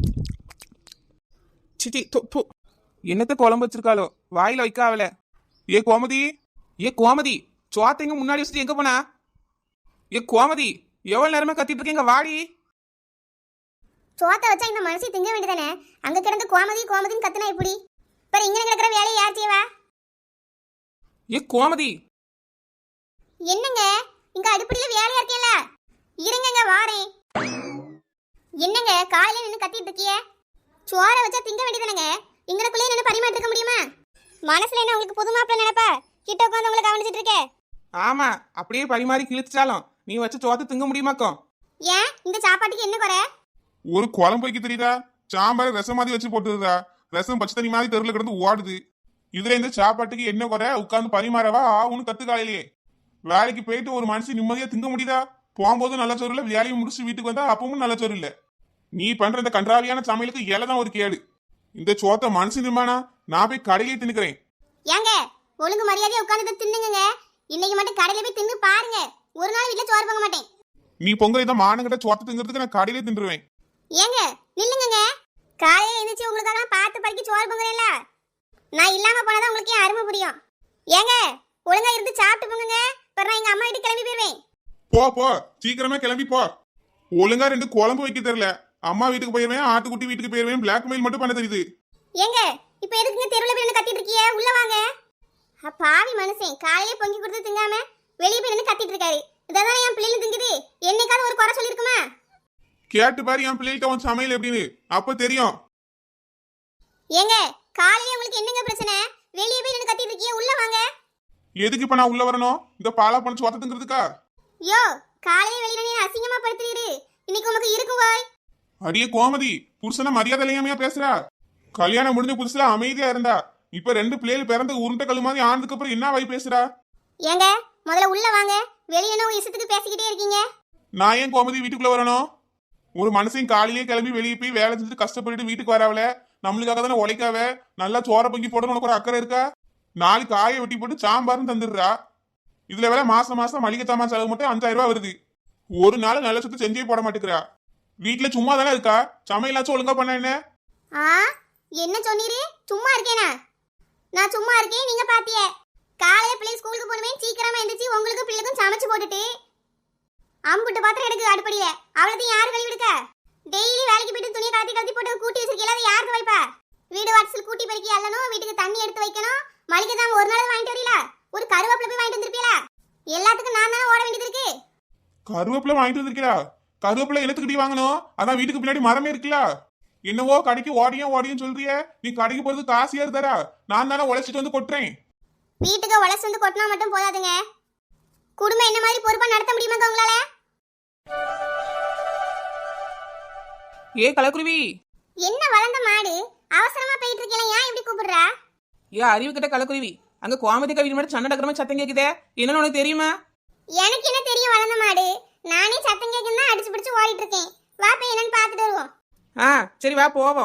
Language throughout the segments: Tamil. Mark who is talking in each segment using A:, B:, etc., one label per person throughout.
A: சிச்சி தொப்பு என்னத்த குழம்பு வச்சிருக்காளோ வாயில வைக்காவல. ஏ கோமதி, ஏ கோமதி, சோத்தைங்க முன்னாடி வச்சுட்டு எங்க போனா? ஏ கோமதி, எவ்வளவு நேரமா கத்திட்டு இருக்கீங்க, வாடி.
B: சோத்தை வச்சா இந்த மனசை திங்க வேண்டியதானே? அங்க கிடந்து கோமதி கோமதின்னு கத்துனா எப்படி? இப்ப இங்க கிடக்குற வேலையை யார் செய்வா?
A: ஏ கோமதி,
B: என்னங்க இங்க அடுப்படியில வேலையா இருக்கேல? இருங்கங்க வாரேன். என்னங்க காலையில நின்று கத்திட்டு இருக்கிய? சோறை வச்சா திங்க வேண்டியதானங்க? இங்கனக்குள்ளே நின்று பரிமாற்றி இருக்க முடியுமா? மனசுல என்ன உங்களுக்கு புது மாப்பிள்ள நினைப்பா? கிட்ட உட்காந்து உங்களை கவனிச்சிட்டு இருக்கே.
A: ஆமா, அப்படியே பரிமாறி கிழிச்சாலும் நீ வச்சு சோத்தை திங்க முடியுமாக்கும்?
B: ஏன் இந்த சாப்பாட்டுக்கு என்ன குறை?
C: ஒரு குழம்பு வைக்க தெரியுதா? சாம்பார் ரசம் மாதிரி வச்சு போட்டுருதா? ரசம் பச்சை தண்ணி மாதிரி தெருவில் கிடந்து ஓடுது. இதுல இந்த சாப்பாட்டுக்கு என்ன குறை? உட்காந்து பரிமாறவா ஆகுன்னு கத்து காலையிலேயே. வேலைக்கு போயிட்டு ஒரு மனுஷன் நிம்மதியா திங்க முடியுதா? போகும்போது நல்ல சோறு இல்ல, வேலையை முடிச்சு வீட்டுக்கு வந்தா அப்பவும் நல்ல சோறு இல்ல. நீ பண்ற இந்த கன்றாவியான சமையலுக்கு இலைதான் ஒரு கேடு. இந்த சோத்தை மனுஷன் திம்பானா? நான் போய் கடையிலே தின்னுக்கிறேன்.
B: ஏங்க ஒழுங்கு மரியாதையா உட்கார்ந்து தின்னுங்க. இன்னைக்கு மட்டும் கடையில போய் தின்னு பாருங்க. ஒரு நாள் வீட்டுல சோறு பொங்க மாட்டேன்.
C: நீ பொங்கல் இதை மானங்கிட்ட சோத்தை திங்கிறதுக்கு நான் கடையிலே தின்றுவேன்.
B: ஏங்க நில்லுங்க. காலையில எழுந்திரிச்சு உங்களுக்காக பார்த்து பறிக்க சோறு பொங்குறேன்ல, நான் இல்லாம போனாதான் உங்களுக்கு ஏன் அருமை புரியும். ஏங்க ஒழுங்கா இருந்து சாப்பிட்டு போங்க. நான் எங்க அம்மா வீட்டுக்கு கிளம்பி போயிருவேன்.
C: போ போ, சீக்கிரமே கிளம்பி போ. ஒழுங்கா 2 குழம்பு வைக்க தெரியல. அம்மா வீட்டுக்கு போயிருவேன், ஆட்டுக்குட்டி வீட்டுக்கு போயிருவேன், பிளாக்மெயில் மட்டும் பண்ண தெரியுது.
B: ஏங்க இப்ப எதுக்குங்க தெருவுல போய் கத்திட்டு இருக்கீங்க? உள்ள வாங்க. பாவி மனுஷன் காலையிலே பொங்கி கொடுத்து திங்காம வெளியே போய் நின்று கத்திட்டு இருக்காரு. இதான் என் பிள்ளைங்க திங்குது. என்னைக்காவது ஒரு குறை சொல்லிருக்குமா?
C: கேட்டு பாரு என் பிள்ளைகிட்ட உன் சமையல் எப்படின்னு, அப்ப தெரியும்.
B: ஏங்க காலையிலே உங்களுக்கு என்னங்க பிரச்சனை? வெளியே போய் நின்று கத்திட்டு இருக்கீங்க, உள்ள வாங்க.
C: எதுக்கு இப்ப நான் உள்ள வரணும்? இந்த பாலா பண்ண சோத்தத்துங்கிறதுக்கா?
B: யோ காலையில வெளியில நீ அசிங்கமா படுத்துறீரு. இன்னைக்கு உங்களுக்கு இருக்கு வாய்.
C: அடியே கோமதி, புருஷனை மரியாதை இல்லாமையா பேசுறா? கல்யாணம் முடிஞ்ச புதுசுல அமைதியா இருந்தா, இப்ப 2 பிள்ளைகள் பிறந்த உருண்டை கல் மாதிரி ஆனதுக்கு அப்புறம் என்ன வாய் பேசுறா?
B: ஏங்க முதல்ல உள்ள வாங்க. வெளியே என்ன இஷ்டத்துக்கு பேசிக்கிட்டே இருக்கீங்க?
C: நான் ஏன் கோமதி வீட்டுக்குள்ள வரணும்? ஒரு மனுஷன் காலையிலே கிளம்பி வெளியே போய் வேலை செஞ்சுட்டு கஷ்டப்பட்டு வீட்டுக்கு வராவல, நம்மளுக்காக தானே உழைக்காவ. நல்லா சோற பொங்கி போடணும் உனக்கு ஒரு அக்கறை இருக்கா? 4 காயை வெட்டி போட்டு சாம்பார்னு தந்துடுறா. இதுல வேலை மாசம் மாசம் மளிகை சாமான் செலவு மட்டும் 5000 ரூபாய் வருது. ஒரு நாள் நல்ல சுத்தம் செஞ்சே போட மாட்டேங்கிறா. வீட்டுல சும்மா தானே இருக்கா? சமையலாச்சும் ஒழுங்கா பண்ண என்ன?
B: என்ன சொன்னீரு? சும்மா இருக்கேனா? நான் சும்மா இருக்கேன், நீங்க பாத்தியே. காலையில பிள்ளை ஸ்கூலுக்கு போனவே சீக்கிரமா எந்திரிச்சு உங்களுக்கு பிள்ளைக்கும் சமைச்சு போட்டுட்டு அம்புட்டு பாத்திரம் எடுக்கு அடுப்படியில. அவ்வளோத்தையும் யாரு கழுவி எடுக்க? டெய்லி வேலைக்கு போயிட்டு துணியை கலத்தி கலத்தி போட்டு கூட்டி வச்சிருக்கீங்களா? அதை யாருக்கு வைப்பா? வீடு வாசல் கூட்டி பறிக்கி அல்லணும், வீட்டுக்கு தண்ணி எடுத்து வைக்கணும், மளிகை தான் ஒரு நாள் வாங்கிட்டு வரீங்களா? ஒரு கருவேப்பிலை போய் வாங்கிட்டு வந்திருப்பீங்களா? எல்லாத்துக்கும் நான் தானே ஓட வேண்டியது இருக்கு.
C: கருவேப்பிலை வாங்கிட்டு வந்திருக்கா? கருவேப்பிலை என்னத்துக்கிட்டே வாங்கணும்? அதான் வீட்டுக்கு பின்னாடி மரமே இருக்குல்ல. என்னவோ கடைக்கு ஓடியும் சொல்றிய. நீ கடைக்கு போறது காசு யாரு தரா? நான் தானே உழைச்சிட்டு வந்து கொட்டுறேன்.
B: வீட்டுக்கு உழைச்சு வந்து கொட்டினா மட்டும் போதாதுங்க. குடும்பம் என்ன மாதிரி பொறுப்பா நடத்த முடியுமாங்க உங்களால?
A: ஏ கலக்குருவி,
B: என்ன வளர்ந்த மாடு அவசரமா போயிட்டு இருக்கீங்களா? ஏன் இப்படி கூப்பிடுறா?
A: ஏ அறிவு கிட்ட கலக்குருவி, அங்க கோமதி கவிதை மட்டும் சண்டை டக்கரமா சத்தம் கேக்குதே, என்னன்னு உனக்கு தெரியுமா?
B: எனக்கு என்ன தெரியும் வளர்ந்த மாடு? நானே சத்தம் கேட்குன்னு அடிச்சு பிடிச்சு ஓடிட்டு இருக்கேன். வா போய் என்னன்னு பார்த்துட்டு வருவோம்.
A: சரி வா போவோம்.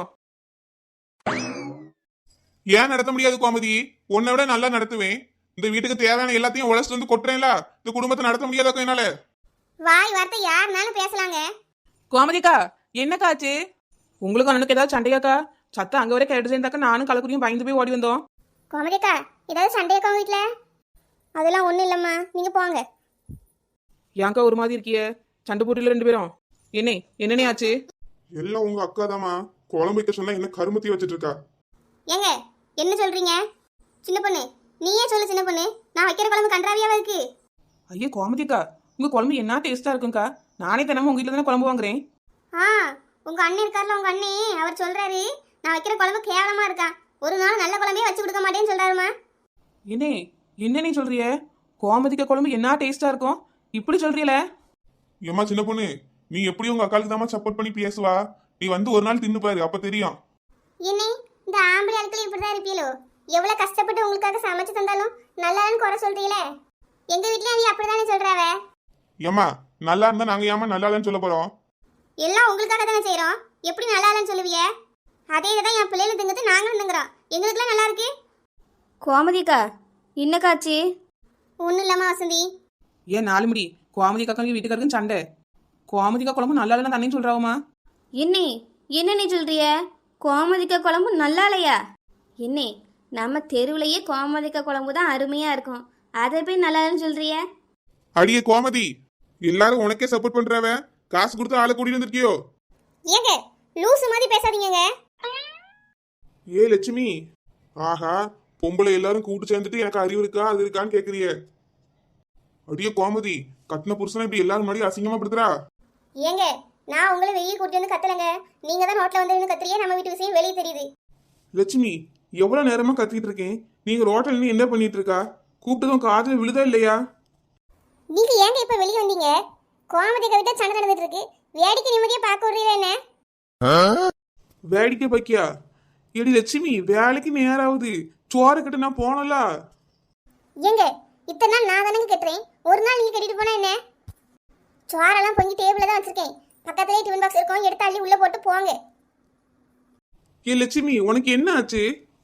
C: ஏன் நடத்த முடியாது கோமதி? உன்னை விட நல்லா நடத்துவேன். இந்த வீட்டுக்கு தேவையான எல்லாத்தையும் உழைச்சிட்டு வந்து கொட்டுறேன்ல. இந்த குடும்பத்தை நடத்த முடியாதாக்கோ என்னால?
B: வாய் வார்த்தை யாருனாலும் பேசலாங்க.
A: கோமதிக்கா, என்னக்காச்சு? உங்களுக்கும் அண்ணனுக்கு ஏதாவது சண்டையாக்கா? சத்தம் அங்க வரை கேட்டு சேர்ந்தாக்கா நானும் கலக்குரியும் பயந்து போய் ஓடி வந்தோம்.
B: கோமதிக்கா ஏதாவது சண்டையாக்கா வீட்டுல? அதெல்லாம் ஒண்ணும் இல்லம்மா, நீங்க போங்க.
A: ஏன்க்கா ஒரு மாதிரி இருக்கிய? சண்டை போட்டில 2 பேரும் என்னன்னே ஆச்சு?
C: எல்லாம் உங்க அக்கா தாமா. குழம்பு வைக்க சொன்னா என்ன கருமத்தி வச்சிட்டு இருக்கா?
B: ஏங்க என்ன சொல்றீங்க? சின்ன பொண்ணு நீயே சொல்லு. சின்ன பொண்ணு, நான் வைக்கிற குழம்பு கன்றாவியாவா இருக்கு?
A: ஐயா கோமதிக்கா, உங்க குழம்பு என்ன டேஸ்டா இருக்குங்கக்கா. நானே தினமும் உங்க வீட்டுல தானே குழம்பு வாங்குறேன்.
B: உங்க அண்ணன் இருக்கார்ல, உங்க அண்ணே அவர் சொல்றாரு நான் வைக்கிற குழம்பு கேவலமா இருக்கா. ஒரு நாள் நல்ல குழம்பே வச்சு கொடுக்க மாட்டேன்னு சொல்றாருமா.
A: என்ன சொல்றிய? கோமதிக்கா குழம்பு என்ன டேஸ்டா இருக்கும் இப்படி சொல்றீல?
C: ஏமா சின்ன பொண்ணு, நீ எப்படி உங்க அக்காளுக்கு தாமா சப்போர்ட் பண்ணி பேசுவா? நீ வந்து ஒரு நாள் தின்னு பாரு, அப்ப தெரியும்.
B: என்ன இந்த ஆம்பளை ஆட்கள் இப்படிதான் இருப்பீங்களோ? எவ்வளவு கஷ்டப்பட்டு உங்களுக்காக சமைச்சு தந்தாலும் நல்லான்னு குறை சொல்றீங்களே. எங்க வீட்லயும் நீ அப்படிதானே சொல்றாவ.
C: ஏமா நல்லா இருந்தா நாங்க ஏமா நல்லா இல்லைன்னு சொல்ல போறோம்?
B: எல்லாம் உங்களுக்காக தானே செய்யறோம். எப்படி நல்லா இல்லைன்னு சொல்லுவீங்க? அதே தான் என் பிள்ளைல திங்கிறது நாங்களும் திங்குறோம். எங்களுக்குலாம் நல்லா இருக்கு.
D: கோமதிக்கா இன்னக்காச்சு?
B: ஒன்றும் இல்லாம வசந்தி.
A: ஏன் 4 முடி கோமதிக்கா வீட்டுக்காருக்கும் சண்டை? கோமதிக்கா குழம்பு நல்லா இல்லைன்னு தண்ணின்னு சொல்றாவுமா?
D: இன்னி என்ன நீ சொல்றிய? கோமதிக்காய் குழம்பு நல்லா இல்லையா? என்னே, நம்ம தெருவுலையே கோமதிக்காய் குழம்பு தான் அருமையாக இருக்கும். அதை போய் நல்லா இல்லைன்னு சொல்றிய?
C: அடியே கோமதி, எல்லாரும் உனக்கே சப்போர்ட் பண்றவ, காசு கொடுத்து ஆளை கூட்டிட்டு வந்திருக்கியோ?
B: ஏங்க லூசு மாதிரி பேசாதீங்கங்க.
C: ஏ லட்சுமி, ஆஹா, பொம்பளை எல்லாரும் கூட்டு சேர்ந்துட்டு எனக்கு அறிவு இருக்கா அது இருக்கான்னு கேக்குறிய? அடியே கோமதி, கட்டின புருஷனை இப்படி எல்லாரும் முன்னாடி அசிங்கமா படுத்துறா.
B: ஏங்க நான் உங்களை வெளியே கூட்டி வந்து கத்தலங்க. நீங்க தான் ரோட்ல வந்து கத்துறியே, நம்ம வீட்டு விஷயம் வெளியே தெரியுது.
A: லட்சுமி, எவ்வளவு நேரமா கத்திட்டு இருக்கேன். நீங்க ரோட்டல் நின்னு என்ன பண்ணிட்டு இருக்கா? கூப்பிட்டதும் காதுல விழுதா இல்லையா?
B: நீங்க ஏங்க இப்ப வெளியே வந்தீங்க? கோமதி கவிதா சண்டை நடந்துட்டு இருக்கு, வேடிக்கை நிம்மதியா பார்க்க விடுறீங்க என்ன?
A: வேடிக்கை பக்கியா? எடி லட்சுமி, வேலைக்கு நேராகுது. சோறு கட்டு நான் போனல.
B: ஏங்க இத்தனை நாள் நான் தானங்க கட்டுறேன், ஒரு நாள் நீங்க கட்டிட்டு போனா என்ன? சோறெல்லாம் பொங்கி டேபிள்ல தான் வச்சிருக்கேன், பக்கத்துலயே டிஃபன் பாக்ஸ் இருக்கும், எடுத்து அள்ளி உள்ள போட்டு போங்க.
A: ஏ லட்சுமி, உனக்கு என்ன ஆச்சு?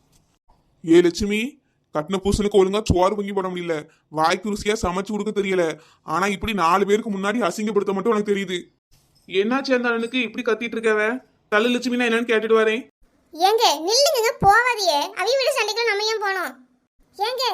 C: ஏ லட்சுமி, கட்டின புருஷனுக்கு ஒழுங்கா சோறு பொங்கி போட முடியல, வாய்க்கு ருசியா சமைச்சு கொடுக்க தெரியல, ஆனா இப்படி 4 பேருக்கு முன்னாடி அசிங்கப்படுத்த மட்டும் உனக்கு தெரியுது.
A: என்னாச்சு அந்த அண்ணனுக்கு இப்படி கத்திட்டு இருக்கவ? தள்ளு லட்சுமி, நான் என்னன்னு கேட்டுட்டு வரேன்.
B: ஏங்க நில்லுங்க, போவாதியே. அவி வீடு சண்டைக்கு நம்ம ஏன் போனோம்? ஏங்க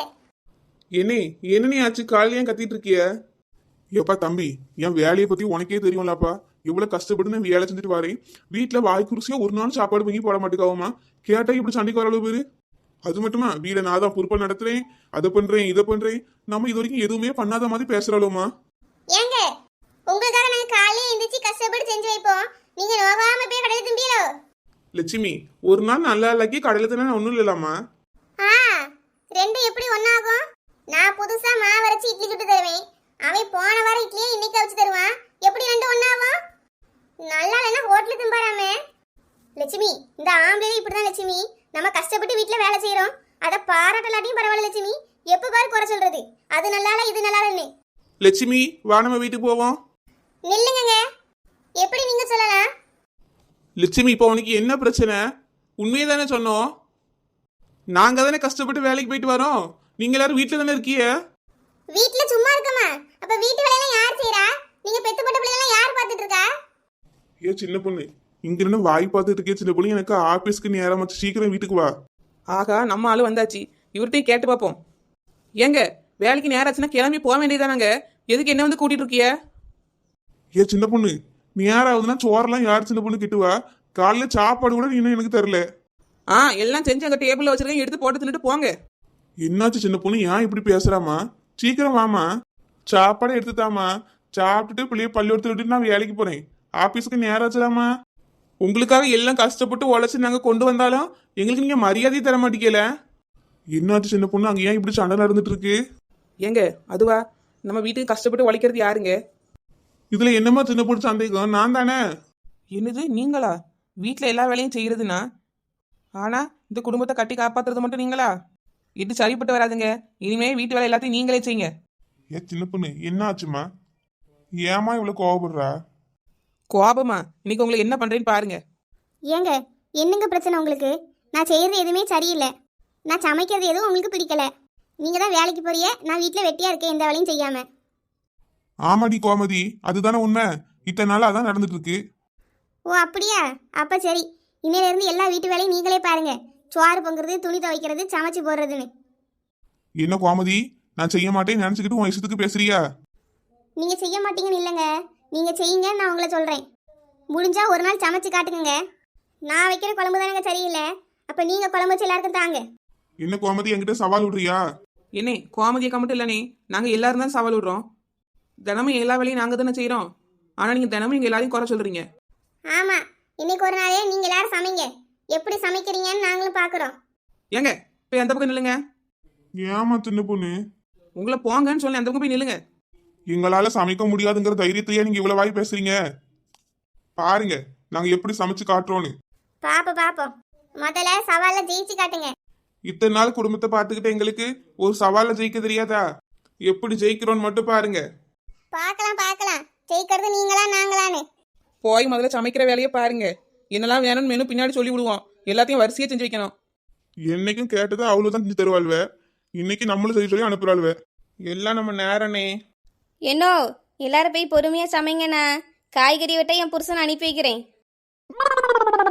A: என்ன ஆச்சு? காலையில ஏன் கத்திட்டு இருக்கிய?
C: ஏப்பா தம்பி, என் வேலையை பத்தி உனக்கே தெரியும்லப்பா, எவ்வளவு கஷ்டப்பட்டு நான் வேலை செஞ்சுட்டு வரேன். வீட்டுல வாய்க்கு ருசியா ஒரு நாள் சாப்பாடு பொங்கி போட மாட்டேக்காவுமா? கேட்டா இப்படி சண்டைக்கு வர அளவு பேரு. அது மட்டுமா, வீட நான் தான் பொறுப்பா நடத்துறேன், அதை பண்றேன் இதை பண்றேன், நம்ம இது வரைக்கும் எதுவுமே பண்ணாத மாதிரி பேசுறாளுமா?
B: ஏங்க உங்களுக்காக நாங்க காலையில எந்திரிச்சு கஷ்டப்பட்டு செஞ்சு வைப்போம், நீங்க நோகாம போய் கடையில திம்பியலோ?
A: லட்சுமி, ஒரு நாள் நல்லா இல்லாக்கி கடையில தானே ஒண்ணும் இல்லலாமா?
B: ஆ, ரெண்டும் எப்படி ஒண்ணாகும்? நான் புதுசா மாவு அரைச்சு இட்லி சுட்டு தருவேன், அவன் போன வாரம் இட்லியே இன்னைக்கு வச்சு தருவான். எப்படி ரெண்டும் ஒண்ணாகும்? நல்லா இல்லைன்னா ஹோட்டல திம்பாராமே. லட்சுமி, இந்த ஆம்பளை இப்படிதான் லட்சுமி. நம்ம கஷ்டப்பட்டு வீட்டுல வேலை செய்யறோம், அதை பாராட்டலாட்டியும் பரவாயில்ல லட்சுமி. எப்ப பாரு குறை சொல்றது, அது நல்லால இது நல்லாலன்னு.
A: லட்சுமி, வா நம்ம வீட்டுக்கு போவோம்.
B: நில்லுங்க, எப்படி நீங்க சொல்லலாம்?
A: லட்சுமி, இப்போ உனக்கு என்ன பிரச்சனை? உண்மையை தானே சொன்னோம். நாங்க தானே கஷ்டப்பட்டு வேலைக்கு போயிட்டு வரோம், நீங்க எல்லாரும் வீட்டுல தானே இருக்கீங்க.
B: வீட்டுல சும்மா இருக்கமா? அப்ப வீட்டு வேலையெல்லாம் யார் செய்யறா? நீங்க பெத்துப்பட்ட பிள்ளைலாம் யார் பாத்துட்டு இருக்கா?
C: ஏ சின்ன பொண்ணு, இங்க இருந்து வாய் பார்த்துட்டு இருக்கே சின்ன பொண்ணு, எனக்கு ஆபீஸ்க்கு நேரம் வச்சு சீக்கிரம் வீட்டுக்கு வா.
A: ஆகா, நம்ம ஆளு வந்தாச்சு. இவர்கிட்டையும் கேட்டு பார்ப்போம். ஏங்க, வேலைக்கு நேரம் ஆச்சுன்னா கிளம்பி போக வேண்டியதானாங்க? எதுக்கு என்ன வந்து கூட்டிட்டு இருக்கிய?
C: ஏ சின்ன பொண்ணு, நேரம் ஆகுதுன்னா சோறெல்லாம் யார் சின்ன பொண்ணு கிட்டுவா? காலையில சாப்பாடு கூட இன்னும் எனக்கு தரல.
A: எல்லாம் செஞ்சு அங்க டேபிள்ல வச்சிருக்கேன், எடுத்து போட்டு தின்னுட்டு போங்க.
C: என்னாச்சு சின்ன பொண்ணு, ஏன் இப்படி பேசுறாமா? சீக்கிரம் வாமா, சாப்பாடை எடுத்துதாமா, சாப்பிட்டுட்டு பிள்ளைய பள்ளிக்கூடத்துல விட்டுட்டு நான் வேலைக்கு போறேன். ஆபீஸ்க்கு நேரம் ஆச்சுலாமா?
A: உங்களுக்காக எல்லாம் கஷ்டப்பட்டு உழைச்சு நாங்க கொண்டு வந்தாலும் எங்களுக்கு நீங்க மரியாதையை தர மாட்டீங்கல.
C: என்னாச்சு சின்ன பொண்ணு, அங்க ஏன் இப்படி சண்டை நடந்துட்டு இருக்கு?
A: ஏங்க, அதுவா, நம்ம வீட்டுக்கு கஷ்டப்பட்டு உழைக்கிறது யாருங்க?
C: இதுல என்னமா சின்ன பொண்ணு சந்தேகம்? நான் தானே.
A: என்னது நீங்களா? வீட்டுல எல்லா வேலையும் செய்யறதுன்னா, ஆனா இந்த குடும்பத்தை கட்டி காப்பாத்துறது மட்டும் நீங்களா? இது சரிப்பட்டு வராதுங்க. இனிமே வீட்டு வேலை எல்லாத்தையும் நீங்களே செய்யுங்க.
C: ஏ சின்ன பொண்ணு, என்ன ஆச்சுமா? ஏமா இவ்வளவு கோவப்படுறா?
A: கோபமா? இன்னைக்கு உங்களுக்கு என்ன பண்றேன்னு பாருங்க.
B: ஏங்க என்னங்க பிரச்சனை உங்களுக்கு? நான் செய்யறது எதுவுமே சரியில்லை, நான் சமைக்கிறது எதுவும் உங்களுக்கு பிடிக்கல. நீங்க தான் வேலைக்கு போறிய, நான் வீட்டுல வெட்டியா இருக்கேன், எந்த வேலையும் செய்யாம.
C: ஆமாடி கோமதி, அதுதானே உண்மை. இத்தனை நாள் அதான் நடந்துட்டு இருக்கு.
B: ஓ அப்படியா? அப்ப சரி, இன்னையில இருந்து எல்லா வீட்டு வேலையும் நீங்களே பாருங்க. சோறு பொங்குறது, துணி துவைக்கிறது, சமைச்சு போடுறதுன்னு.
C: என்ன கோமதி, நான் செய்ய மாட்டேன்னு நினைச்சுக்கிட்டு உன் இஷ்டத்துக்கு பேசுறியா?
B: நீங்க செய்ய மாட்டீங்கன்னு இல்லைங்க, நீங்க செய்யுங்க, நான் உங்களை சொல்றேன். முடிஞ்சா ஒரு நாள் சமைச்சு காட்டுங்க. நான் வைக்கிற குழம்பு தானங்க சரியில்லை, அப்ப நீங்க குழம்பு வச்சு எல்லாருக்கும் தாங்க.
C: என்ன கோமதி, என்கிட்ட சவால் விடுறியா?
A: என்னே, கோமதியக்கா மட்டும் இல்லனே, நாங்க எல்லாரும் தான் சவால் விடுறோம். தினமும் எல்லா வேலையும் நாங்க தானே செய்யறோம், ஆனா நீங்க தினமும் எங்க எல்லாரையும் குறை சொல்றீங்க.
B: ஆமா, இன்னைக்கு ஒரு நாளே நீங்க எல்லாரும் சமைங்க, எப்படி சமைக்கிறீங்கன்னு நாங்களும் பாக்குறோம்.
A: ஏங்க, போய் அந்த பக்கம் நில்லுங்க.
C: ஏமா சின்ன பொண்ணு,
A: உங்களை போங்கன்னு சொல்லி அந்த பக்கம் போய் நில்லுங்க.
C: எங்களால சமைக்க முடியாதுங்கிற தைரியத்தையே நீங்க இவ்வளவு வாய் பேசுறீங்க. பாருங்க நாங்க எப்படி சமைச்சு காட்டுறோன்னு.
B: பாப்போம், முதல்ல சவால்ல ஜெயிச்சு காட்டுங்க.
A: இத்தனை நாள் குடும்பத்தை பார்த்துக்கிட்டு எங்களுக்கு ஒரு சவால்ல ஜெயிக்க தெரியாதா? எப்படி ஜெயிக்கிறோன்னு மட்டும் பாருங்க.
B: பார்க்கலாம், ஜெயிக்கிறது நீங்களா நாங்களான்னு.
A: போய் முதல்ல சமைக்கிற வேலையை பாருங்க. என்னெல்லாம் வேணும்னு மெனு பின்னாடி சொல்லி விடுவோம், எல்லாத்தையும் வரிசையா செஞ்சு வைக்கணும்.
C: என்னைக்கும் கேட்டதை அவ்வளவுதான் செஞ்சு தருவாள்வ, இன்னைக்கு நம்மளும் செய்ய சொல்லி அனுப்புறாள்வ.
A: எல்லாம் நம்ம நேரனே.
D: என்னோ, எல்லாரும் போய் பொறுமையாக சமைங்கண்ணா. காய்கறி வெட்ட என் புருஷனை அனுப்பி வைக்கிறேன்.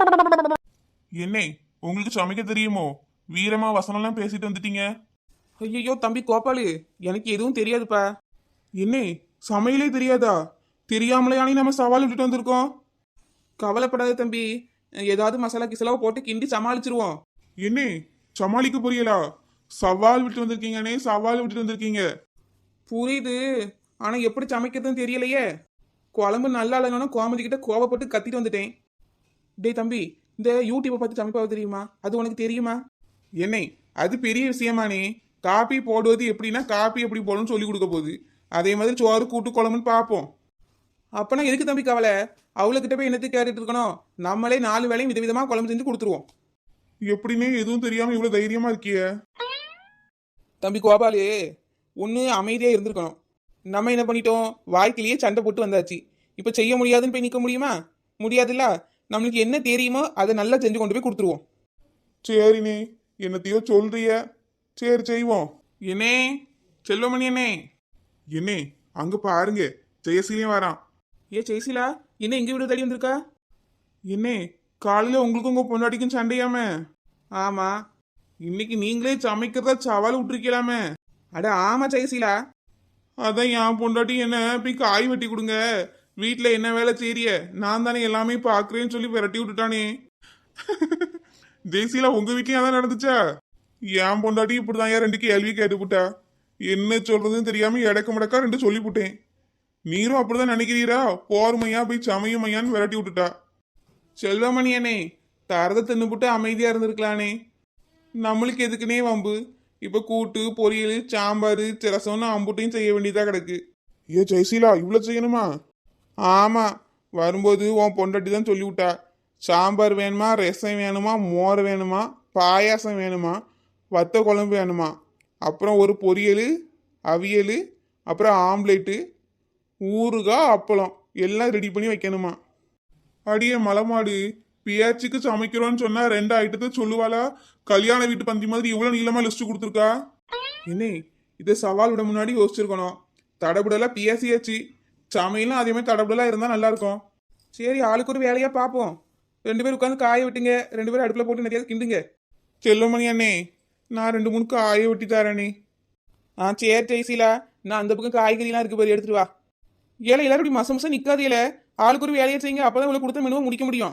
C: என்னே உங்களுக்கு சமைக்க தெரியுமோ? வீரமா வசனம்லாம் பேசிட்டு வந்துட்டீங்க.
A: ஐயோ தம்பி கோபாலு, எனக்கு எதுவும் தெரியாதுப்பா.
C: என்னே சமையலே தெரியாதா? தெரியாமலையானே நம்ம சவால் விட்டுட்டு வந்திருக்கோம்.
A: கவலைப்படாத தம்பி, ஏதாவது மசாலா கிசலாவை போட்டு கிண்டி சமாளிச்சிருவோம்.
C: என்னே சமாளிக்க புரியலா? சவால் விட்டு வந்திருக்கீங்கன்னே, சவால் விட்டுட்டு வந்திருக்கீங்க.
A: புரியுது, ஆனா எப்படி சமைக்கிறதுன்னு தெரியலையே. குழம்பு நல்லா இல்லைன்னா கோமதி கிட்ட கோவப்பட்டு கத்திட்டு வந்துட்டேன். டேய் தம்பி, இந்த யூடியூப்பை பார்த்து சமைப்பாவது தெரியுமா? அது உனக்கு தெரியுமா?
C: என்னே அது பெரிய விஷயமானே. காப்பி போடுவது எப்படின்னா காப்பி எப்படி போடணும்னு சொல்லி கொடுக்க போகுது. அதே மாதிரி சோறு கூட்டு குழம்புன்னு பார்ப்போம்.
A: அப்பனா எதுக்கு தம்பி கவலை? அவளுக்கிட்ட போய் என்னத்துக்கு கேட்டுட்டு இருக்கணும்? நம்மளே 4 வேளையும் விதவிதமா குழம்பு செஞ்சு கொடுத்துருவோம்.
C: எப்படின்னே எதுவும் தெரியாம இவ்வளவு தைரியமா இருக்கிய?
A: தம்பி கோபாலு, ஒன்று அமைதியாக இருந்திருக்கணும். நம்ம என்ன பண்ணிட்டோம்? வாழ்க்கையிலேயே சண்டை போட்டு வந்தாச்சு. இப்போ செய்ய முடியாதுன்னு போய் நிற்க முடியுமா? முடியாதுல்ல. நம்மளுக்கு என்ன தெரியுமோ அதை நல்லா செஞ்சு கொண்டு போய் கொடுத்துருவோம்.
C: சரிண்ணே, என்னத்தையோ சொல்றிய. சரி செய்வோம்.
A: என்னே செல்வமணி அண்ணே.
C: என்னே அங்க பாருங்க, ஜெயசீலையும் வரான்.
A: ஏ ஜெய்சிலா, என்ன எங்க வீடு தேடி வந்திருக்கா?
C: என்னே காலையில உங்களுக்கும் உங்க பொண்டாட்டிக்கும் சண்டையாம?
A: ஆமா.
C: இன்னைக்கு நீங்களே சமைக்கிறதா சவால் விட்டுருக்கலாமே.
A: அட ஆமா ஜெயசீலா.
C: அதான் என் பொண்டாட்டி என்ன போய் காய் வெட்டி கொடுங்க, வீட்டுல என்ன வேலை செய்றிய, நான் தானே எல்லாமே பாக்குறேன்னு சொல்லி விரட்டி விட்டுட்டானே. ஜெயசீலா உங்க வீட்லயும் அதான் நடந்துச்சா? என் பொண்டாட்டி இப்படிதான் ஏன் 2 கேள்வி கேட்டுப்புட்டா. என்ன சொல்றதுன்னு தெரியாம எடக்க முடக்கா 2 சொல்லிப்புட்டேன். நீரும் அப்படிதான் நினைக்கிறீரா? போர்மையா போய் சமையுமையான்னு விரட்டி விட்டுட்டா.
A: செல்வமணி அண்ணே, தரத தின்னுபுட்டு அமைதியா இருந்திருக்கலானே. நம்மளுக்கு எதுக்குனே வம்பு? இப்ப கூட்டு பொரியல் சாம்பார் ரசம்னு அம்புட்டையும் செய்ய வேண்டியதா கிடக்கு.
C: ஏ ஜெயசீலா இவ்வளவு செய்யணுமா?
A: ஆமா, வரும்போது உன் பொண்டாட்டி தான் சொல்லி விட்டா. சாம்பார் வேணுமா, ரசம் வேணுமா, மோர் வேணுமா, பாயாசம் வேணுமா, வத்த குழம்பு வேணுமா, அப்புறம் ஒரு பொரியல், அவியல், அப்புறம் ஆம்லேட்டு, ஊறுகாய், அப்பளம் எல்லாம் ரெடி பண்ணி வைக்கணுமா.
C: அடியே மலமாடு, பியாச்சுக்கு சமைக்கிறோன்னு சொன்னா 2 ஐட்டத்தை சொல்லுவாளா? கல்யாண வீட்டு பந்தி மாதிரி இவ்வளவு நீளமா லிஸ்ட் கொடுத்துருக்கா.
A: என்ன இதை சவால் விட முன்னாடி யோசிச்சிருக்கணும். தடபுடலாம் பியாசியாச்சு, சமையலும் அதே மாதிரி தடபுடலாம் இருந்தால் நல்லா இருக்கும். சரி, ஆளுக்கு ஒரு வேலையாக பார்ப்போம். 2 பேர் உட்காந்து காய விட்டுங்க, 2 பேரும் அடுப்பில் போட்டு நிறைய கிண்டுங்க.
C: செல்வமணி அண்ணே, நான் 2 3 காய வெட்டி தரேனே.
A: சரி ஜெய்சீலா, நான் அந்த பக்கம் காய்கறிலாம் இருக்கு பாரு, எடுத்துட்டு வா. ஏழை எல்லாரும் இப்படி மசம் மசம் நிற்காது. ஏழை ஆளுக்கு ஒரு வேலையை செய்யுங்க, அப்போதான் இவ்வளோ கொடுத்த மெனுவை முடிக்க முடியும்.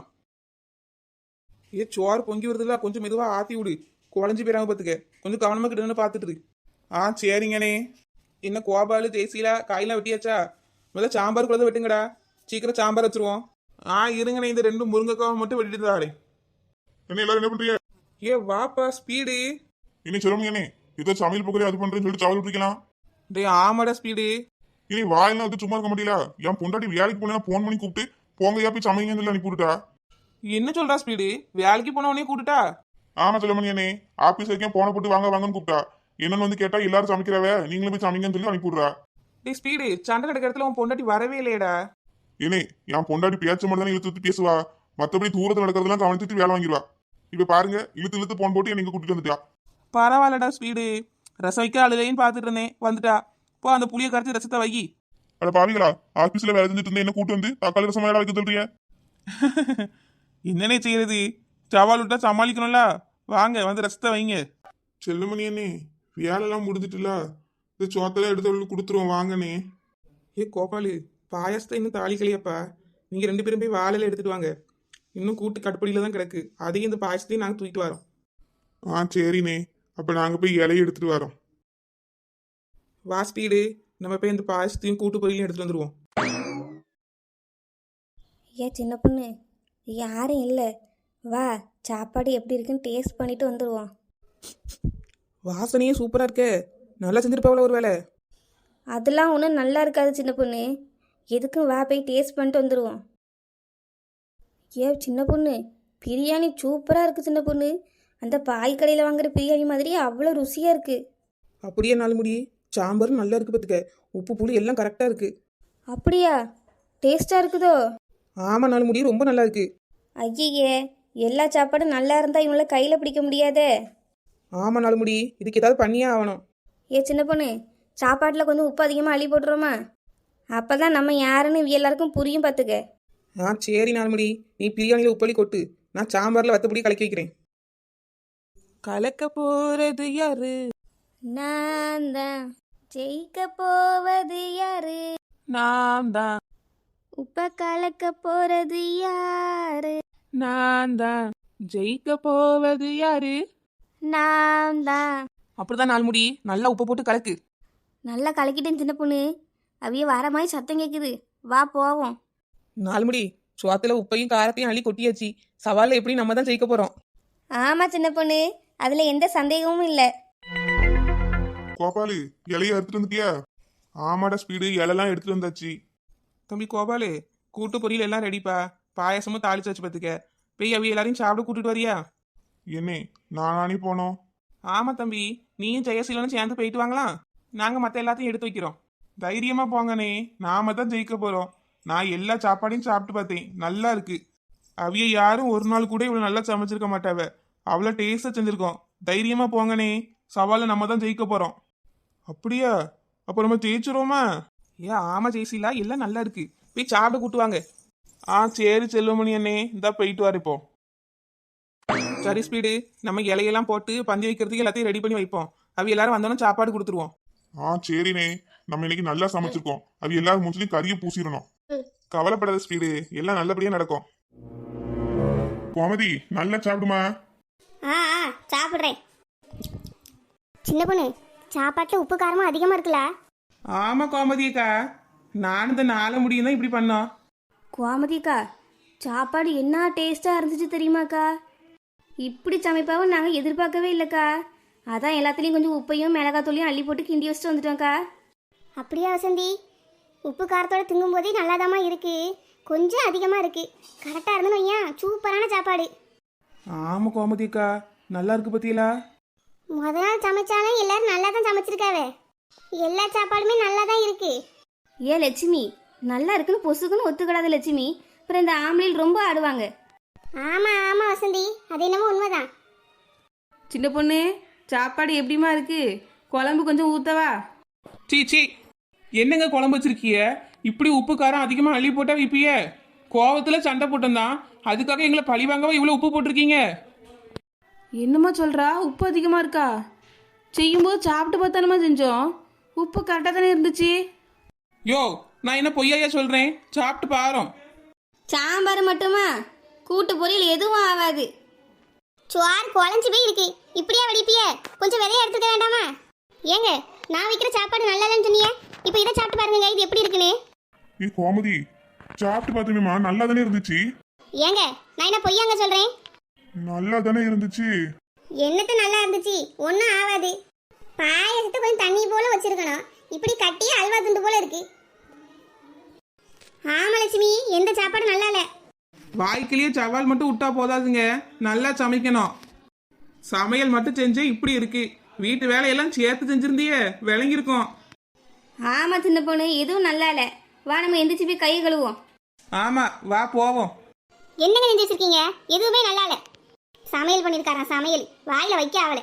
A: சோறு பொங்கி வருதுல்ல, கொஞ்சம் மெதுவாக ஆற்றி விடு, குழஞ்சி போயிடாம பார்த்துக்க. கொஞ்சம் கவனமாக கிட்டன்னு பார்த்துட்டு இரு.
C: சரிங்கண்ணே.
A: என்ன கோபாலு ஜெய்சீலா, காயெல்லாம் வெட்டியாச்சா? முதல்ல சாம்பார் கூட வெட்டுங்கடா, சீக்கிரம் சாம்பார் வச்சிருவோம்.
C: இருங்கண்ணே, இந்த 2 முருங்கைக்காவை மட்டும் வெட்டிட்டு தாரே. என்ன எல்லாரும் என்ன பண்றீங்க?
A: வாப்பா ஸ்பீடு.
C: இனி சொல்லுங்க அண்ணே, இதோ சமையல் பக்கத்துல அது பண்றேன்னு சொல்லிட்டு சவால் விட்டுருக்கலாம்.
A: டேய் ஆமாடா ஸ்பீடு.
C: இனி வாயெல்லாம் வந்து சும்மா இருக்க முடியல. என் பொண்டாட்டி வேலைக்கு போனா போன் பண்ணி கூப்பிட்டு போங்கயா போய் சமைங்கன்னு சொல்லி அனுப்பிவிட்டுட்டா.
A: என்ன சொல்றா ஸ்பீடு? வேலைக்கு போனவனே கூட்டுட்டா?
C: ஆமா செல்வமணி அண்ணே, ஆபீஸ் வரைக்கும் போன போட்டு வாங்க வாங்கன்னு கூப்பிட்டா. என்னன்னு வந்து கேட்டா எல்லாரும் சமைக்கிறவ, நீங்களும் போய் சமைங்கன்னு சொல்லி அனுப்பிவிடுறா.
A: டேய் ஸ்பீடு, சண்டை நடக்கிற இடத்துல உன் பொண்டாட்டி வரவே இல்லையடா.
C: ஏனே என் பொண்டாட்டி பேச்ச மட்டும் தானே இழுத்து இழுத்து பேசுவா, மத்தபடி தூரத்துல நடக்கிறதெல்லாம் கவனிச்சுட்டு வேலை வாங்கிடுவா. இப்ப பாருங்க, இழுத்து இழுத்து போன் போட்டு என்னை கூட்டிட்டு வந்துட்டா.
A: பரவாயில்லடா ஸ்பீடு, ரசம் வைக்க அழுதையும் பார்த்துட்டு இருந்தேன், வந்துட்டா. போ அந்த புளியை கரைச்சி ரசத்தை வை.
C: அட பாவிகளா, ஆபீஸ்ல வேலை செஞ்சுட்டு இருந்தேன், என்ன கூட்டு வந்து தக்காளி ரசம் வேலை வைக்க சொல்றீங்க?
A: என்னன்னே செய்யறது, சவால் விட்டா சமாளிக்கணும்ல. வாங்க வந்து ரசத்தை வைங்க.
C: செல்லுமணி அண்ணே, வேலைலாம் முடிஞ்சிட்டுல, இந்த சோத்தெல்லாம் எடுத்து கொடுத்துருவோம் வாங்கண்ணே.
A: கோபாலு, பாயாசத்தை இன்னும் தாளிக்கலையாப்பா. நீங்க 2 பேரும் போய் வாழையில எடுத்துட்டு வாங்க. இன்னும் கூட்டு கட்டுப்படியில தான் கிடக்கு. அதையும் இந்த பாயாசத்தையும் நாங்கள் தூக்கிட்டு வரோம்.
C: சரிண்ணே, அப்ப நாங்க போய் இலையை எடுத்துட்டு வரோம்.
A: வா ஸ்பீடு, நம்ம போய் இந்த பாயாசத்தையும் கூட்டு பொரியலையும் எடுத்துட்டு வந்துருவோம்.
D: ஏன் சின்ன பொண்ணு, யாரும் இல்லை, வா சாப்பாடு எப்படி இருக்குன்னு டேஸ்ட் பண்ணிட்டு வந்துடுவோம்.
A: வாசனையே சூப்பராக இருக்கே, நல்லா செஞ்சிருப்பாவில் ஒரு வேலை.
D: அதெல்லாம் ஒன்றும் நல்லா இருக்காது சின்ன பொண்ணு, எதுக்கும் வா போய் டேஸ்ட் பண்ணிட்டு வந்துடுவோம். சின்ன பொண்ணு, பிரியாணி சூப்பராக இருக்குது சின்ன பொண்ணு. அந்த பாய் கடையில் வாங்குற பிரியாணி மாதிரி அவ்வளோ ருசியாக இருக்குது.
A: அப்படியே 4 முடி, சாம்பாரும் நல்லா இருக்கு பார்த்துக்க, உப்பு புளி எல்லாம் கரெக்டாக இருக்கு.
D: அப்படியா? டேஸ்ட்டாக இருக்குதோ?
A: ஆமாம், 4 முடி ரொம்ப நல்லா இருக்கு.
D: ஐயே, எல்லா சாப்பாடும் நல்லா இருந்தால் இவங்கள கையில் பிடிக்க முடியாதே.
A: ஆமாம் 4 முடி, இதுக்கு ஏதாவது பண்ணியே ஆகணும்.
D: சின்ன பொண்ணு, சாப்பாட்டில் கொஞ்சம் உப்பு அதிகமாக அள்ளி போட்டுருவோமா? அப்போ தான் நம்ம யாருன்னு எல்லாருக்கும் புரியும் பார்த்துக்க.
A: சரி 4 முடி, நீ பிரியாணியில் உப்பளி கொட்டு, நான் சாம்பார்ல வத்தப்படி கலக்கி வைக்கிறேன். கலக்க போறது யாரு?
D: நான் தான். ஜெயிக்க போவது யாரு?
A: நான் தான்.
D: உப்ப கலக்க போறது யாரு?
A: நான் தான். ஜெயிக்க போவது யாரு?
D: நான் தான்.
A: அப்படிதான் நாள் முடி நல்லா உப்பு போட்டு கலக்கு.
D: நல்லா கலக்கிட்டேன் சின்ன பொண்ணு. அவிய வர மாதிரி சத்தம் கேட்குது. வா போவோம்.
A: நாள் முடி சோத்துல உப்பையும் காரத்தையும் அள்ளி கொட்டியாச்சு. சவால்ல எப்படி நம்ம தான் ஜெயிக்க போறோம்.
D: ஆமா சின்ன பொண்ணு, அதுல எந்த சந்தேகமும் இல்லை.
C: கோபாலு இலைய எடுத்துட்டு வந்துட்டியா? ஆமாடா ஸ்பீடு, இலைலாம் எடுத்துட்டு வந்தாச்சு.
A: தம்பி கோபாலு, கூட்டு பொரியல் எல்லாம் ரெடிப்பா. பாயாசமும் தாளிச்சு வச்சு பார்த்துக்க. போய் அவி எல்லாரையும் சாப்பிட கூட்டிட்டு வரியா?
C: என்னே நானே போனோம்?
A: ஆமா தம்பி, நீயும் ஜெயசீலனும் சேர்ந்து போயிட்டு வாங்கலாம். நாங்க மத்த எல்லாத்தையும் எடுத்து வைக்கிறோம். தைரியமா போங்கண்ணே, நாம தான் ஜெயிக்க போறோம். நான் எல்லா சாப்பாடையும் சாப்பிட்டு பார்த்தேன், நல்லா இருக்கு. அவிய யாரும் ஒரு நாள் கூட இவ்வளவு நல்லா சமைச்சிருக்க மாட்டாவ. அவ்வளோ டேஸ்டா செஞ்சிருக்கோம். தைரியமா போங்கண்ணே, சவால நம்ம தான் ஜெயிக்க போறோம். அப்படியா? அப்ப நம்ம ஜெயிச்சிரோமா? ஆமா ஜெயசீலா, எல்லாம் நல்லா இருக்கு. போய் சாப்பிட கூட்டுவாங்க. சரி செல்வமணி அண்ணே, இந்தா போயிட்டு வர இப்போ. சரி ஸ்பீடு, நம்ம இலையெல்லாம் போட்டு பந்தி வைக்கிறதுக்கு எல்லாத்தையும் ரெடி பண்ணி வைப்போம். அவ எல்லாரும் வந்தோன்னு சாப்பாடு கொடுத்துருவோம்.
C: சரிண்ணே, நம்ம இன்னைக்கு நல்லா சமைச்சிருக்கோம். அது எல்லாரும் மூஞ்சிலையும் கறியை பூசிடணும். கவலைப்படாத ஸ்பீடு, எல்லாம் நல்லபடியா நடக்கும். கோமதி நல்லா சாப்பிடுமா?
B: சாப்பிட்றேன். சின்ன பொண்ணு, சாப்பாட்டில் உப்பு காரமும் அதிகமாக இருக்குல்ல?
A: ஆமா கோமதியக்கா, நானும் இந்த நாளை முடியும் தான் இப்படி பண்ணோம்.
D: கோமதிக்கா, சாப்பாடு என்ன டேஸ்ட்டாக இருந்துச்சு தெரியுமாக்கா? இப்படி சமைப்பாவும் நாங்கள் எதிர்பார்க்கவே இல்லைக்கா. அதான் எல்லாத்துலேயும் கொஞ்சம் உப்பையும் மிளகாத்தூளையும் அள்ளி போட்டு கிண்டி வச்சுட்டு வந்துட்டோம்க்கா.
B: அப்படியா வசந்தி? உப்பு காரத்தோட திங்கும்போதே நல்லாதாம்மா இருக்கு. கொஞ்சம் அதிகமாக இருக்கு. கரெக்டாக இருந்துன்னு வையன், சூப்பரான சாப்பாடு.
A: ஆமா கோமதியக்கா, நல்லா இருக்கு பத்தியலா.
B: முத நாள் சமைச்சாலும் எல்லாரும் நல்லா தான் சமைச்சிருக்காவே. எல்லா சாப்பாடுமே நல்லா தான் இருக்கு.
D: ஏ லட்சுமி, நல்லா இருக்குன்னு பொசுக்குன்னு ஒத்துக்கிடாத லட்சுமி. அப்புறம் இந்த ஆம்பளையில் ரொம்ப ஆடுவாங்க.
B: ஆமாம் ஆமாம் வசந்தி, அது என்னமோ உண்மைதான்.
E: சின்ன பொண்ணு, சாப்பாடு எப்படிமா இருக்கு? குழம்பு கொஞ்சம் ஊத்தவா?
A: சீ, என்னங்க குழம்பு வச்சிருக்கிய? இப்படி உப்பு காரம் அதிகமா அள்ளி போட்டா விப்பிய? கோவத்துல சண்டை போட்டோம்தான், அதுக்காக எங்களை பழி வாங்கவா இவ்வளவு உப்பு போட்டிருக்கீங்க?
E: என்னம்மா சொல்றா? உப்பு அதிகமா இருக்கா? செய்யும்போது சாப்பிட்டு பார்த்தானமா செஞ்சோம். உப்பு கரெக்டாக தானே இருந்துச்சு.
A: யோ, நான் என்ன பொய்யா சொல்றேன்? சாப்பிட்டு பாரோம்.
D: சாம்பார் மட்டுமா? கூட்டு பொரியல் எதுவும் ஆகாது.
B: சுவார் குழஞ்சி போய் இருக்கு. இப்படியா வடிப்பிய? கொஞ்சம் விதைய எடுத்துக்க வேண்டாமா? ஏங்க, நான் வைக்கிற சாப்பாடு நல்லா இல்லைன்னு சொன்னீங்க. இப்போ இதை சாப்பிட்டு பாருங்க, இது எப்படி இருக்குன்னு.
C: கோமதி சாப்பிட்டு பார்த்தேனேம்மா, நல்லா தானே இருந்துச்சு.
B: ஏங்க, நான் என்ன பொய்யாங்க சொல்றேன்?
C: நல்லா தானே இருந்துச்சு.
B: என்னத்த நல்லா இருந்துச்சு? ஒன்றும் ஆகாது. பாயசத்தை கொஞ்சம் தண்ணி போல வச்சிருக்கணும். இப்படி கட்டி அல்வா துண்டு போல இருக்கு. ஆமா லட்சுமி, எந்த சாப்பாடு நல்லா இல்லை.
A: வாய்க்கிலேயே சவால் மட்டும் விட்டா போதாதுங்க, நல்லா சமைக்கணும். சமையல் மட்டும் செஞ்சே இப்படி இருக்கு. வீட்டு வேலையெல்லாம் சேர்த்து செஞ்சிருந்தியே விளங்கியிருக்கோம்.
D: ஆமா சின்ன பொண்ணு, எதுவும் நல்லா இல்லை. வா நம்ம எந்திரிச்சு போய் கை கழுவோம்.
A: ஆமா, வா போவோம்.
B: என்னங்க செஞ்சு வச்சிருக்கீங்க? எதுவுமே நல்லா இல்லை. சமையல் பண்ணிருக்காராம், சமையல் வாயில வைக்க ஆகல.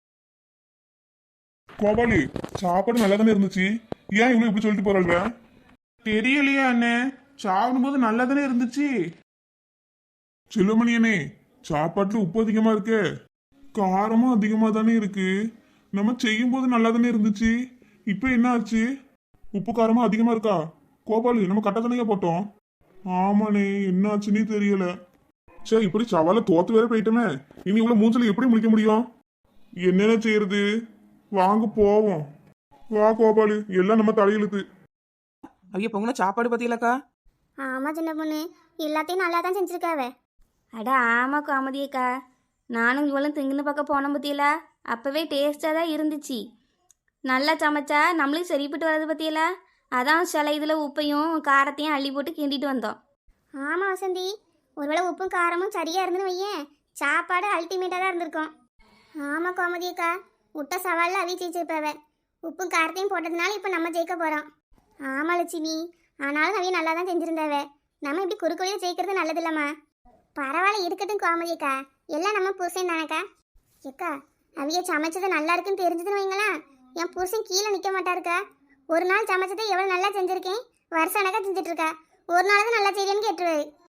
C: கோபாலு சாப்பாடு நல்லா தானே இருந்துச்சு, ஏன் இவ்வளவு இப்படி சொல்லிட்டு போறாள்வ?
A: தெரியலையே அண்ணே, சாப்பிடும்போது நல்லா தானே இருந்துச்சு.
C: செல்வமணியனே, சாப்பாட்டுல உப்பு அதிகமா இருக்கே, காரமும் அதிகமா தானே இருக்கு. நம்ம செய்யும் போது நல்லா தானே இருந்துச்சு, இப்ப என்ன ஆச்சு? உப்பு காரமும் அதிகமா இருக்கா? கோபாலு நம்ம கட்ட தானே போட்டோம். ஆமாண்ணே, என்ன ஆச்சுன்னே தெரியல. சரி, இப்படி சவால தோத்து வேற போயிட்டோமே, இனி இவ்வளவு மூஞ்சல எப்படி முடிக்க முடியும்? என்னென்ன செய்யறது? வாங்க போவோம். வா கோபாலு, எல்லாம் நம்ம தலையெழுத்து.
A: ஐயா பொங்கன சாப்பாடு பத்தியலக்கா?
B: ஆமா சின்ன பொண்ணு, எல்லாத்தையும் நல்லா தான் செஞ்சிருக்காவே.
D: அட ஆமா கோமதியக்கா, நானும் இவளும் திங்குன்னு பக்கம் போன பத்தியலா, அப்பவே டேஸ்டாக தான் இருந்துச்சு. நல்லா சமைச்சா நம்மளுக்கு சரிப்பட்டு வர்றது பத்தியலா, அதான் சில இதில் உப்பையும் காரத்தையும் அள்ளி போட்டு கிண்டிட்டு வந்தோம்.
B: ஆமா வசந்தி, ஒருவேளை உப்பும் காரமும் சரியா இருந்துன்னு வையேன், சாப்பாடு அல்டிமேட்டா தான் இருந்திருக்கும். ஆமா கோமதியக்கா, முட்டை சவாலில் அவி ஜெயிச்சிருப்பாவ. உப்பும் காரத்தையும் போட்டதுனால இப்போ நம்ம ஜெயிக்க போறோம். ஆமா லட்சுமி, ஆனாலும் அவிய நல்லா தான் செஞ்சிருந்தாவ. நம்ம இப்படி குறுக்கோளியில் ஜெயிக்கிறது நல்லது இல்லம்மா. பரவாயில்ல, இருக்கட்டும் கோமதியக்கா, எல்லாம் நம்ம புருஷன் தானக்கா. ஏக்கா, அவிய சமைச்சது நல்லா இருக்குன்னு தெரிஞ்சதுன்னு வைங்களா, என் புருஷன் கீழே நிற்க மாட்டாருக்கா. ஒரு நாள் சமைச்சதை எவ்வளோ நல்லா செஞ்சிருக்கேன், வருஷம் கணக்காக செஞ்சுட்டு இருக்கா. ஒரு நாள் தான் நல்லா செய்யலன்னு கேட்டுருவாரு.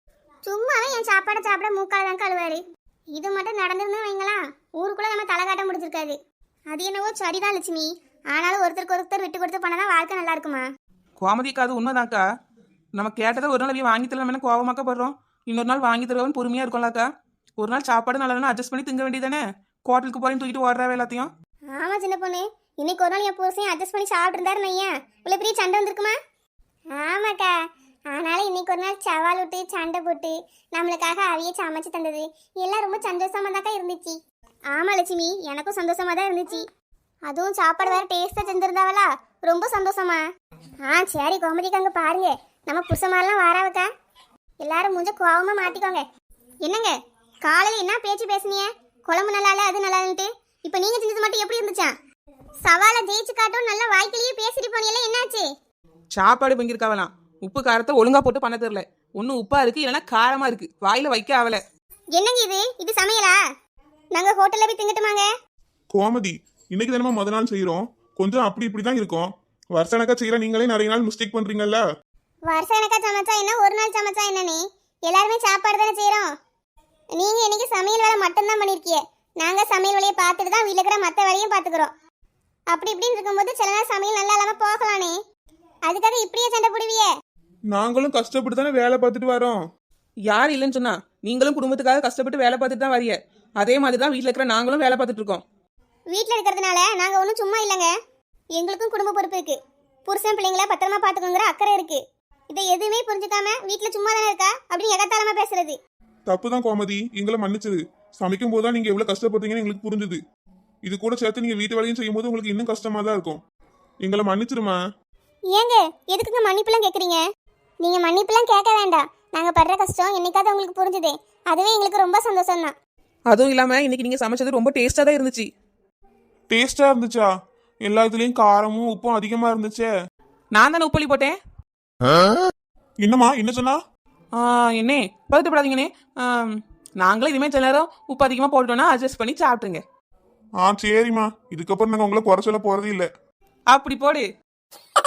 B: சும்மாவே என் சாப்பாடை சாப்பிட மூக்கால தான் கழுவாரு. இது மட்டும் நடந்திருந்து வைங்களா, ஊருக்குள்ள நம்ம தலை காட்ட முடிஞ்சிருக்காது. அது என்னவோ சரிதான் லட்சுமி. ஆனாலும் ஒருத்தருக்கு ஒருத்தர் விட்டு கொடுத்து பண்ணதான் வாழ்க்கை நல்லா இருக்குமா?
A: கோமதிக்கா அது உண்மைதான்க்கா. நம்ம கேட்டதை ஒரு நாள் வாங்கி தரலாம் கோவமாக்கப்படுறோம். இன்னொரு நாள் வாங்கி தருவோம்னு பொறுமையா இருக்கும்லக்கா. ஒரு நாள் சாப்பாடு நல்லா அட்ஜஸ்ட் பண்ணி திங்க வேண்டியதானே. ஹோட்டலுக்கு போறேன்னு தூக்கிட்டு ஓடுறாவே எல்லாத்தையும்.
B: ஆமா சின்ன பொண்ணு, இன்னைக்கு ஒரு நாள் என் புருஷன் அட்ஜஸ்ட் பண்ணி சாப்பிட்டு இருந்தாரு நையா, இவ்வளவு பெரிய சண்டை வந்திருக்குமா? ஆமாக்கா, ஆனாலும் இன்னைக்கு ஒரு நாள் சவால் விட்டு சண்டை போட்டு நம்மளுக்காக அவைய சமைச்சு தந்தது எல்லாம் ரொம்ப சந்தோஷமா தாக்கா இருந்துச்சு. ஆமா லட்சுமி, எனக்கும் சந்தோஷமா தான் இருந்துச்சு. அதுவும் சாப்பாடு வேற டேஸ்டா செஞ்சிருந்தாவளா, ரொம்ப சந்தோஷமா. சரி கோமதிக்கு அங்க பாருங்க, நம்ம புருஷமாரெல்லாம் வாராவக்கா. எல்லாரும் மூஞ்ச கோவமா மாட்டிக்கோங்க. என்னங்க காலையில என்ன பேச்சு பேசுனீங்க? குழம்பு நல்லா இல்ல, அது நல்லா இல்லன்ட்டு. இப்ப நீங்க செஞ்சது மட்டும் எப்படி இருந்துச்சா? சவாலை ஜெயிச்சு காட்டும் நல்லா வாய்க்கிலேயே பேசிட்டு போனீங்களே, என்னாச்சு?
A: சாப்பாடு பங்கிருக்காவலாம். உப்பு காரத்தை ஒழுங்கா போட்டு பண்ண தெரியல. ஒன்னும் உப்பா இருக்கு, இல்லைன்னா காரமா இருக்கு. வாயில வைக்க ஆவல.
B: என்னங்க இது சமையலா? நாங்க ஹோட்டல்ல போய் திங்கட்டுமாங்க?
C: கோமதி, இன்னைக்கு தானே முத நாள் செய்யறோம், கொஞ்சம் அப்படி இப்படிதான் இருக்கும். வருஷ கணக்கா செய்யற நீங்களே நிறைய நாள் மிஸ்டேக் பண்றீங்கல்ல.
B: வருஷம் எனக்கா சமைச்சா என்ன, ஒரு நாள் சமைச்சா என்னன்னு எல்லாருமே சாப்பாடு தானே செய்யறோம். நீங்க இன்னைக்கு சமையல் வேலை மட்டும்தான் பண்ணிருக்கீங்க. நாங்க சமையல் வேலையை பார்த்துட்டு தான் வீட்டுல இருக்கிற மற்ற வேலையும் பார்த்துக்கிறோம். அப்படி இப்படின்னு இருக்கும்போது சில நாள் சமையல் நல்லா இல்லாம போகலானே, அதுக்காக இப்படியே சண்டை போடுவியே?
C: நாங்களும் கஷ்டப்பட்டு தானே வேலை பார்த்துட்டு வரோம்.
A: யார் இல்லைன்னு சொன்னா? நீங்களும் குடும்பத்துக்காக கஷ்டப்பட்டு வேலை பார்த்துட்டு தான் வரீங்க. அதே மாதிரி தான் வீட்டில் இருக்கிற நாங்களும் வேலை பார்த்துட்டு இருக்கோம்.
B: வீட்டில் இருக்கிறதுனால நாங்க ஒன்றும் சும்மா இல்லைங்க. எங்களுக்கும் குடும்ப பொறுப்பு இருக்கு. புருஷன் பிள்ளைங்கள பத்திரமா பார்த்துக்கோங்கிற அக்கறை இருக்கு. இதை எதுவுமே புரிஞ்சுக்காம வீட்டில் சும்மா தானே இருக்கா அப்படின்னு எகத்தாளமா பேசுறது
C: தப்புதான் கோமதி, எங்களை மன்னிச்சிரு. சமைக்கும் போதுதான் நீங்க எவ்வளவு கஷ்டப்படுறீங்கன்னு எங்களுக்கு புரிஞ்சுது. இது கூட சேர்த்து நீங்க வீட்டு வேலையும் செய்யும் போது உங்களுக்கு இன்னும் கஷ்டமா தான் இருக்கும். எங்களை மன்னிச்சிருமா.
B: ஏங்க எதுக்குங்க மன்னிப்புலாம் கேட்குறீங்க? நீங்க மன்னிப்புலாம் கேட்க வேண்டாம். நாங்க படுற கஷ்டம் என்னைக்காவது உங்களுக்கு புரிஞ்சுதே, அதுவே எங்களுக்கு ரொம்ப சந்தோஷம் தான்.
A: அதுவும் இல்லாம இன்னைக்கு நீங்க சமைச்சது ரொம்ப டேஸ்டா தான் இருந்துச்சு.
C: டேஸ்டா இருந்துச்சா? எல்லா இதுலயும் காரமும் உப்பும் அதிகமா இருந்துச்சே.
A: நான் தானே உப்பளி போட்டேன்.
C: என்னம்மா என்ன சொன்னா?
A: என்னே பதட்டப்படாதீங்கண்ணே. நாங்களும் இதுமே சில நேரம் உப்பு அதிகமா போட்டோம்னா அட்ஜஸ்ட் பண்ணி சாப்பிட்டுருங்க.
C: சரிம்மா, இதுக்கப்புறம் நாங்க உங்களை குறை சொல்ல போறதே இல்லை.
A: அப்படி போடு.